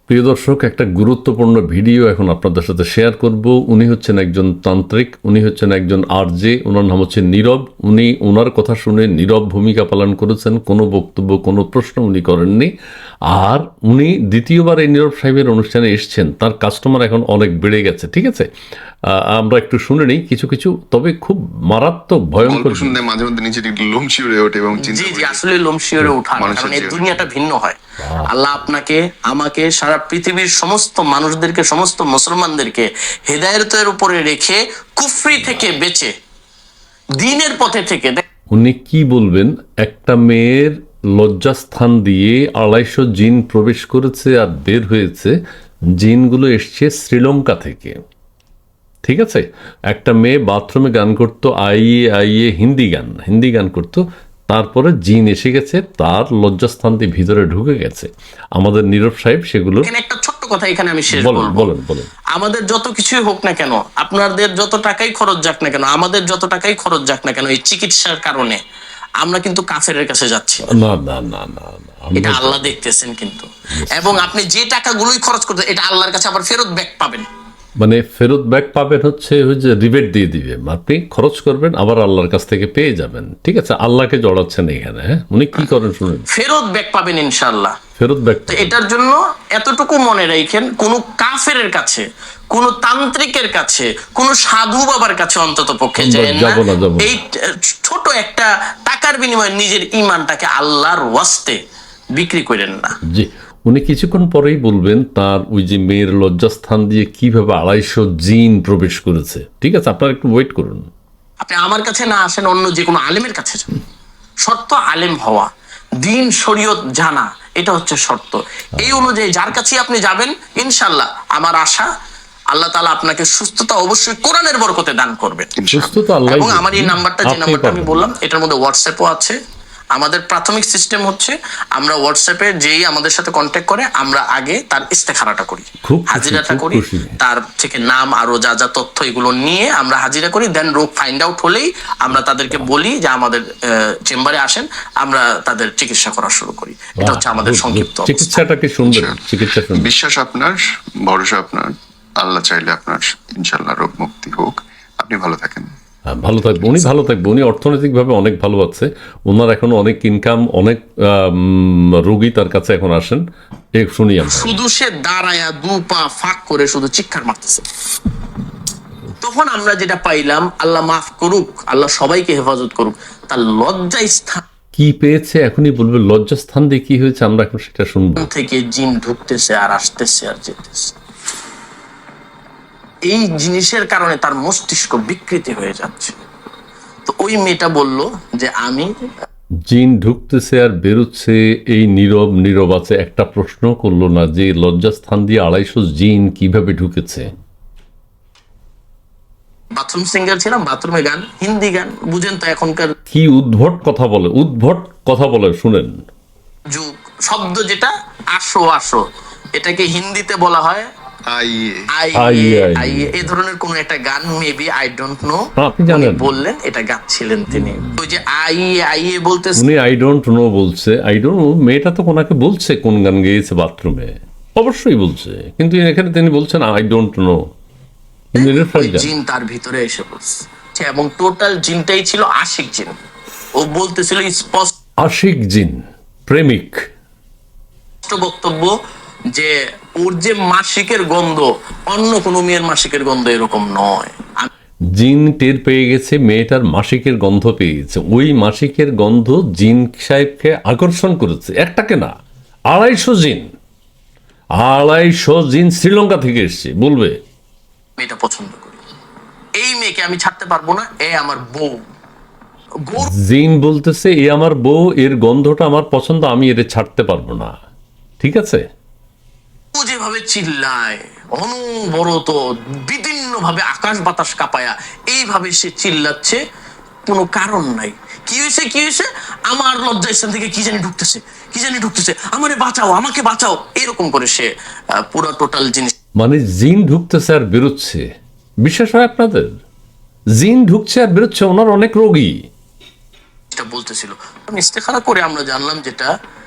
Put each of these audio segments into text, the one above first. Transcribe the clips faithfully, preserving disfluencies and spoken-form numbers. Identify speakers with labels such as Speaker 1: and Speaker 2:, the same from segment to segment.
Speaker 1: প্রিয় দর্শক, একটা গুরুত্বপূর্ণ ভিডিও এখন আপনাদের সাথে শেয়ার করব। উনি হচ্ছেন একজন তান্ত্রিক, উনি হচ্ছেন একজন আরজে, ওনার নাম হচ্ছে নীরব। উনি ওনার কথা শুনে নীরব ভূমিকা পালন করেছেন, কোনো বক্তব্য কোনো প্রশ্ন উনি করেননি। আর উনি দ্বিতীয়বার এই নীরব সাহেবের অনুষ্ঠানে এসছেন, তার কাস্টমার এখন অনেক বেড়ে গেছে। ঠিক আছে, আমরা একটু শুনে নিই কিছু কিছু, তবে খুব মারাত্মক ভয়ঙ্কর।
Speaker 2: শুনতে মাঝে মধ্যে নিচে লোম শিউরে ওঠে এবং
Speaker 3: জি জি আসলে লোম শিউরে ওঠা, কারণ এই দুনিয়াটা ভিন্ন হয়। আল্লাহ আপনাকে আমাকে সারা পৃথিবীর সমস্ত মানুষদেরকে, সমস্ত মুসলমানদেরকে হেদায়েতের উপরে রেখে কুফরি থেকে বেঁচে দ্বীনের পথে থেকে।
Speaker 1: উনি কি বলবেন? একটা মেয়ের লজ্জাস্থান দিয়ে আড়াইশো জিন প্রবেশ করেছে আর বের হয়েছে। জিনগুলো এসছে শ্রীলঙ্কা থেকে। ঠিক আছে, একটা মেয়ে বাথরুমে গান করতো, আইয়ে আইয়ে হিন্দি গান হিন্দি গান করতো, তারপরে জিন এসে গেছে, তার লজ্জাস্থান দিয়ে ভিতরে ঢুকে গেছে। আমাদের নীরব সাহেব সেগুলো
Speaker 3: একটা ছোট্ট কথা এখানে আমি শেষ
Speaker 1: বলেন
Speaker 3: বলবো।
Speaker 1: বলেন বলেন
Speaker 3: আমাদের যত কিছুই হোক না কেন, আপনাদের যত টাকাই খরচ যাক না কেন, আমাদের যত টাকাই খরচ যাক না কেন, এই চিকিৎসার কারণে আমরা কিন্তু কাফেরের কাছে যাচ্ছি
Speaker 1: না না না না না
Speaker 3: এটা আল্লাহ দেখতেছেন কিন্তু। এবং আপনি যে টাকাগুলোই খরচ করতে, এটা আল্লাহর কাছে আবার ফেরত ব্যাক পাবেন।
Speaker 1: মানে ফেরত ব্যাক পাবেন হচ্ছে ওই যে রিবেট দিয়ে দিবে, আপনি খরচ করবেন আবার আল্লাহর কাছ থেকে পেয়ে যাবেন। ঠিক আছে, আল্লাহকে জড়াচ্ছেন এখানে। হ্যাঁ, উনি কি করেন শুনুন।
Speaker 3: ফেরত ব্যাক পাবেন ইনশাআল্লাহ,
Speaker 1: ফেরত ব্যাক।
Speaker 3: তো এটার জন্য এতটুকু মনে রাখেন, কোন কাফেরের কাছে, কোন তান্ত্রিকের কাছে, কোন সাধু বাবার কাছে অন্তত পক্ষে যায় না। এই ছোট একটা টাকার বিনিময়ে নিজের ঈমানটাকে আল্লাহর ওয়াস্তে বিক্রি করেন না।
Speaker 1: জি, উনি কিছুক্ষণ পরেই বলবেন তার ওই যে মেয়ের লজ্জাস্থান দিয়ে কিভাবে আড়াইশো জিন প্রবেশ করেছে। ঠিক আছে, আপনারা একটু ওয়েট করুন।
Speaker 3: আপনি আমার কাছে না আসেন, অন্য যে কোনো আলেমের কাছে যান। শর্ত আলেম হওয়া, দিন শরীয়ত জানা, এটা হচ্ছে শর্ত। এই অনুযায়ী যার কাছে আপনি যাবেন, ইনশাআল্লাহ আমার আশা আল্লাহ তাআলা আপনাকে সুস্থতা অবশ্যই কোরআনের বরকতে দান করবেন।
Speaker 1: সুস্থতা আল্লাহ।
Speaker 3: এবং আমার এই নাম্বারটা, যে নাম্বারটা আমি বললাম, এটার মধ্যে হোয়াটসঅ্যাপও আছে। আমাদের প্রাথমিক সিস্টেম হচ্ছে আমরা হোয়াটসঅ্যাপে যেই আমাদের সাথে কন্ট্যাক্ট করে, আমরা আগে তার ইস্তেখারাটা করি, হাজিরাটা করি, তার থেকে নাম আরো যা যা তথ্য এগুলো নিয়ে আমরা হাজিরা করি। দেন রোগ ফাইন্ড আউট হলেই আমরা তাদেরকে বলি যে আমাদের চেম্বারে আসেন, আমরা তাদের চিকিৎসা করা শুরু করি। এটা হচ্ছে আমাদের সংক্ষিপ্ত
Speaker 1: চিকিৎসাটাকে সুন্দর চিকিৎসা।
Speaker 2: বিশ্বাস আপনার, ভরসা আপনার, আল্লাহ চাইলে আপনার ইনশাআল্লাহ রোগ মুক্তি হোক। আপনি ভালো থাকেন।
Speaker 1: ভালো থাকবে উনি, ভালো থাকবে উনি, অর্থনৈতিকভাবে অনেক ভালো আছে ওনার, এখন অনেক ইনকাম, অনেক রোগী তার কাছে এখন আসেন। এক শুনি আমরা।
Speaker 3: শুধু সে দাঁড়ায়া দু পা ফাঁক করে শুধু চিৎকার মারতেছে। তখন আমরা যেটা পাইলাম, আল্লাহ মাফ করুক, আল্লাহ সবাইকে হেফাজত করুক, তার লজ্জা স্থান
Speaker 1: কি পেয়েছে এখনই বলবে। লজ্জাস্থান দিয়ে কি হয়েছে আমরা এখন সেটা শুনবো।
Speaker 3: থেকে জিন ঢুকতেছে আর আসতেছে আর যেতেছে। এই জিনিসের কারণে তার মস্তিষ্ক বিকৃতি হয়ে যাচ্ছে। তো ওই মেয়েটা বলল যে আমি,
Speaker 1: জিন ঢুকতেছে আর বেরোচ্ছে, এই নীরব নীরব আছে, একটা প্রশ্ন করলো না যে লজ্জাস্থান দিয়ে আড়াইশো জিন কিভাবে ঢুকেছে।
Speaker 3: বাথরুম সিঙ্গার ছিলাম, বাথরুমে গান, হিন্দি গান, বুঝেন তো এখনকার
Speaker 1: কি উদ্ভট কথা বলে, উদ্ভট কথা বলে শুনেন।
Speaker 3: যুগ শব্দ যেটা আসো আসো, এটাকে হিন্দিতে বলা হয় এই ধরনের কোন একটা গান, মেবি আই ডোন্ট নো।
Speaker 1: আপনি জানেন,
Speaker 3: বললেন এটা গাচ্ছিলেন তিনি, ওই যে আইয়ে আইয়ে বলতে,
Speaker 1: উনি আই ডোন্ট নো বলছে। আই ডোন্ট নো, মেয়েটা তো কোনাকে বলছে কোন গান গেয়েছে বাথরুমে, অবশ্যই বলছে, কিন্তু এখানে তিনি বলছেন আই ডোন্ট নো।
Speaker 3: জিন তার ভিতরে এসে পড়ছে এবং টোটাল জিনটাই ছিল আশিক জিন। ও বলতেছিল স্পষ্ট,
Speaker 1: আশিক জিন, প্রেমিক
Speaker 3: বক্তব্য যে ওর যে মাসিকের গন্ধ অন্য কোনো মেয়ের মাসিকের গন্ধ এরকম নয়।
Speaker 1: জিন টের পেয়ে গেছে মেয়েটার মাসিকের গন্ধ পেয়ে গেছে, ওই মাসিকের গন্ধ জিন সাহেবকে আকর্ষণ করেছে। একটাকে না, আড়াইশো জিন, আড়াইশো জিন শ্রীলঙ্কা থেকে এসছে। বলবে
Speaker 3: মেয়েটা পছন্দ করি, এই মেয়েকে আমি ছাড়তে পারবো না, এ আমার বউ।
Speaker 1: জিন বলতেছে এ আমার বউ, এর গন্ধটা আমার পছন্দ, আমি এর ছাড়তে পারবো না। ঠিক আছে,
Speaker 3: ও যেভাবে চিল্লায় অনবরত, বিভিন্ন ভাবে আকাশ বাতাস কাঁপায়া এইভাবে সে চিল্লাচ্ছে, কোনো কারণ নাই। কি হয়েছে কি হয়েছে, আমার লজ্জা স্থান থেকে কি জানি ঢুকতেছে, কি জানি ঢুকতেছে, আমারে বাঁচাও, আমাকে বাঁচাও, এরকম করে সে পুরো টোটাল জিনিস।
Speaker 1: মানে জিন ঢুকতেছে আর বেরোচ্ছে। বিশ্বাস হয় আপনাদের? জিন ঢুকছে আর বেরোচ্ছে, ওনার অনেক রোগী
Speaker 3: বলতেছিল। ইস্তেখারা করে আমরা জানলাম যেটা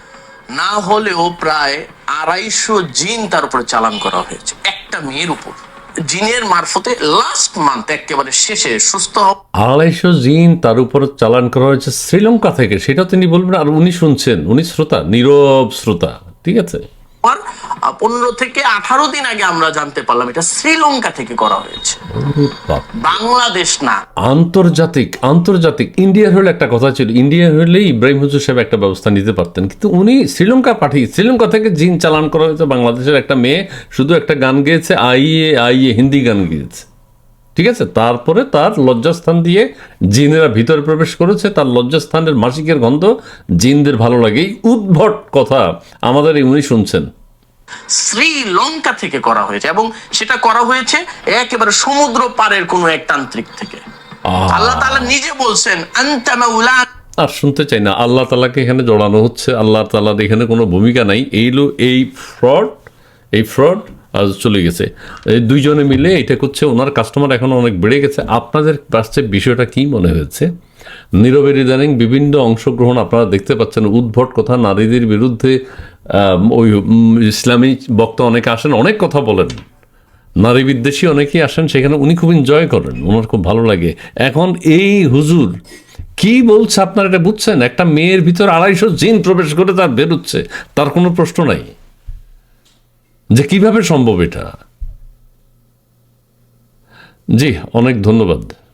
Speaker 3: না হলেও প্রায় আড়াইশো জিন তার উপরে চালান করা হয়েছে একটা মেয়ের উপর, জিনের মারফতে লাস্ট মান্থ একেবারে শেষে সুস্থ হওয়া।
Speaker 1: আড়াইশো জিন তার উপর চালান করা হয়েছে শ্রীলঙ্কা থেকে, সেটা তিনি বলবেন আর উনি শুনছেন, উনি শ্রোতা, নীরব শ্রোতা, ঠিক আছে।
Speaker 3: পনেরো থেকে আঠারো দিন আগে আমরা জানতে পারলাম এটা শ্রীলঙ্কা থেকে করা হয়েছে, বাংলাদেশ না।
Speaker 1: আন্তর্জাতিক আন্তর্জাতিক ইন্ডিয়ার হলে একটা কথা ছিল, ইন্ডিয়া হলে ইব্রাহিম হুজুর সাহেব একটা ব্যবস্থা নিতে পারতেন, কিন্তু উনি শ্রীলঙ্কা পাঠিয়ে, শ্রীলঙ্কা থেকে জিন চালান করা হয়েছে। বাংলাদেশের একটা মেয়ে শুধু একটা গান গেয়েছে, আইয়ে আইয়ে, হিন্দি গান গেয়েছে, ঠিক আছে। তারপরে তার লজ্জাস্থান দিয়ে জিনেরা ভিতরে প্রবেশ করেছে, তার লজ্জাস্থানের মাসিকের গন্ধ জিনদের ভালো লাগে। এই উদ্ভট কথা আমাদের এই উনি শুনছেন।
Speaker 3: শ্রীলঙ্কা থেকে করা হয়েছে এবং সেটা করা হয়েছে একেবারে সমুদ্র পারের কোন এক তান্ত্রিক থেকে। আল্লাহ তাআলা নিজে বলছেন আনতা মাওলা।
Speaker 1: আর শুনতে চাই না, আল্লাহ তাআলাকে এখানে জড়ানো হচ্ছে, আল্লাহ তাআলার এখানে কোনো ভূমিকা নাই। এইলো এই ফ্রড, এই ফ্রড আজ চলে গেছে, এই দুইজনে মিলে এটা করছে। ওনার কাস্টমার এখন অনেক বেড়ে গেছে। আপনাদের কাছে বিষয়টা কি মনে হয়েছে? নীরবের ইদানিং বিভিন্ন অংশগ্রহণ আপনারা দেখতে পাচ্ছেন, উদ্ভট কথা, নারীদের বিরুদ্ধে ওই ইসলামী বক্তা অনেকে আসেন, অনেক কথা বলেন, নারী বিদ্বেষী অনেকেই আসেন, সেখানে উনি খুব এনজয় করেন, ওনার খুব ভালো লাগে। এখন এই হুজুর কি বলছে আপনারা এটা বুঝছেন? একটা মেয়ের ভিতর আড়াইশো জিন প্রবেশ করে তার বেরোচ্ছে, তার কোনো প্রশ্ন নাই যে কিভাবে সম্ভব এটা। জি, অনেক ধন্যবাদ।